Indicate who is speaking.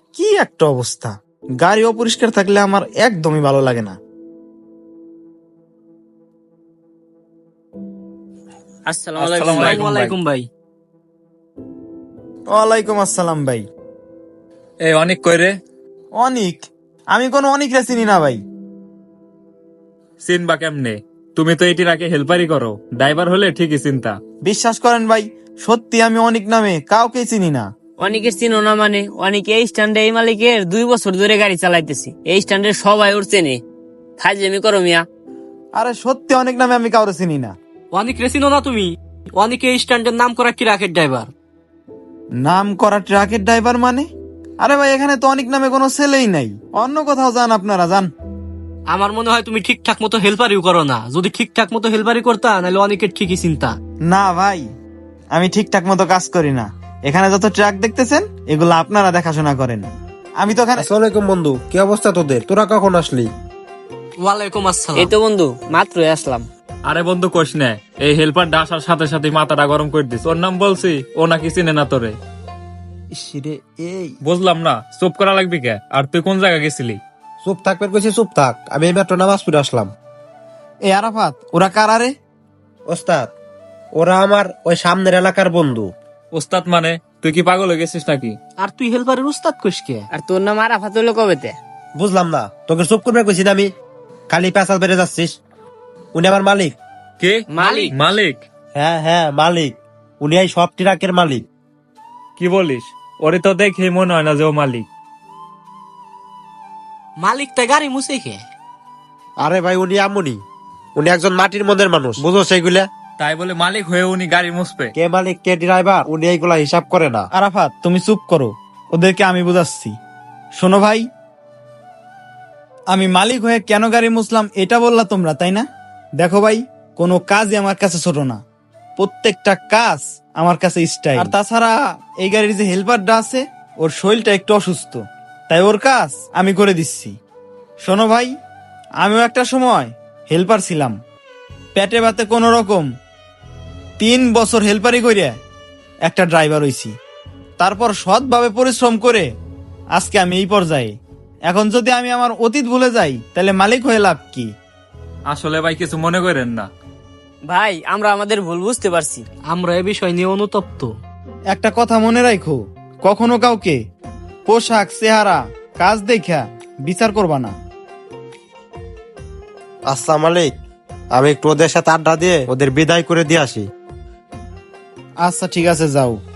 Speaker 1: কি একটা অবস্থা! গাড়ি অপরিষ্কার থাকলে আমার একদমই ভালো লাগে না।
Speaker 2: আসসালামু আলাইকুম ভাই।
Speaker 1: ওয়ালাইকুম আসসালাম ভাই।
Speaker 3: এই অনেক কইরে
Speaker 1: অনিক? আমি কোনো অনিকরে চিনি না ভাই।
Speaker 3: চিনবা কেমনে? তুমি তো এটির আগে হেল্পারই করো, ড্রাইভার হলে ঠিকই চিন্তা।
Speaker 1: বিশ্বাস করেন ভাই, সত্যি আমি অনিক নামে কাউকে চিনি না।
Speaker 2: অনেকের চিনো না মানে? অনেকে এই স্ট্যান্ডে এই মালিকের 2 বছর ধরে গাড়ি চালাইতেছি, এই স্ট্যান্ডের সবাই ওর চেনে। ফাজলামি করো মিয়া।
Speaker 1: আরে সত্যি অনিক নামে আমি কাউরে চিনি না।
Speaker 4: অনেক রেসিনো না তুমি? অনেকে এই স্ট্যান্ডের নাম করা কি রাখের ড্রাইভার।
Speaker 1: নাম করা ট্রাকের ড্রাইভার মানে? আরে ভাই, এখানে তো অনিক নামে কোনো ছেলেই নাই। অন্য কোথাও যান, আপনারা যান।
Speaker 4: আমার মনে হয় তুমি ঠিকঠাক মতো হেল্পারিও করো না। যদি ঠিকঠাক মতো হেল্পারি করতা নাহলে অনেকের ঠিকই চিন্তা।
Speaker 1: না ভাই, আমি ঠিকঠাক মতো কাজ করি না। এখানে যত ট্রাক দেখতেছেন এগুলো আপনারা দেখাশোনা করেন। আমি তো এখানে।
Speaker 5: আসসালামাইকুম বন্ধু, কি অবস্থা তোদের? তোরা কখন আসলি?
Speaker 4: ওয়ালাইকুম আসসালাম।
Speaker 2: এই তো বন্ধু মাত্রই আসলাম।
Speaker 3: আরে বন্ধু কোশ না, এই হেল্পারটা আসার সাথে সাথে মাথাটা গরম করে দিস। ওর নাম বলছি, ও নাকি চিনে না তোরে।
Speaker 5: ইসরে, এই
Speaker 3: বুঝলাম না, চুপ করা লাগবি কে? আর তুই কোন জায়গা গেছিলি?
Speaker 5: চুপ থাকবে কইছি, চুপ থাক। আমি এই মাত্র নামাজ পড়ে আসলাম।
Speaker 1: এ আরাফাত, ওরা কারা রে?
Speaker 5: ওস্তাদ, ওরা আমার ওই সামনের এলাকার বন্ধু।
Speaker 3: ওস্তাদ মানে? তুই কি পাগল হয়ে গেছিস নাকি?
Speaker 4: আর তুই হেল্পারের উস্তাদ কইস কে?
Speaker 2: আর তোর নাম আরাফাত হলো কবেতে?
Speaker 5: বুঝলাম না, তোকে চুপ করবে কইছি না আমি? খালি পেঁচাল বেড়ে যাচ্ছিস। উনি আমার মালিক।
Speaker 3: কে
Speaker 2: মালিক?
Speaker 3: মালিক?
Speaker 5: হ্যাঁ হ্যাঁ, মালিক। উনি এই সব ট্রাকের মালিক।
Speaker 3: কি বলিস? ওরে তো দেখে মনে হয় না যে ও মালিক।
Speaker 4: মালিক তাই গাড়ি মুছে কে?
Speaker 5: আরে ভাই, উনি আমুনি। উনি একজন মাটির মনের মানুষ, বুঝো সেইগুলা?
Speaker 3: তাই বলে মালিক হয়ে উনি গাড়ি মুছবে?
Speaker 5: কে মালিক কে ড্রাইভার উনি এইগুলা হিসাব করে না।
Speaker 1: আরাফাত, তুমি চুপ করো, ওদেরকে আমি বুঝাচ্ছি। শোনো ভাই, আমি মালিক হয়ে কেন গাড়ি মুছলাম এটা বললা তোমরা, তাই না? দেখো ভাই, কোনো কাজই আমার কাছে ছোট না। প্রত্যেকটা কাজ আমার কাছে স্টাইল। আর তাছাড়া এই গাড়ির যে হেল্পারটা আছে, ওর শরীরটা একটু অসুস্থ, তাই ওর কাজ আমি করে দিচ্ছি। শোনো ভাই, আমিও একটা সময় হেল্পার ছিলাম। পেটে ভাতে কোনো রকম 3 বছর হেল্পারি করিয়া একটা ড্রাইভার হইছি। তারপর সৎভাবে পরিশ্রম করে আজকে আমি এই পর্যায়ে। এখন যদি আমি আমার অতীত ভুলে যাই তাহলে মালিক হয়ে লাভ কি?
Speaker 3: আসলে ভাই কিছু মনে করেন না।
Speaker 2: ভাই আমরা আমাদের ভুল বুঝতে পারছি।
Speaker 4: আমরা এ বিষয় নিয়ে অনুতপ্ত।
Speaker 1: একটা কথা মনে রাখো, কখনো কাউকে পোশাক, চেহারা, কাজ দেখা বিচার করবা না।
Speaker 5: আচ্ছা মালিক, আমি একটু ওদের সাথে আড্ডা দিয়ে ওদের বিদায় করে দিয়ে আসি।
Speaker 1: আচ্ছা ঠিক আছে, যাও।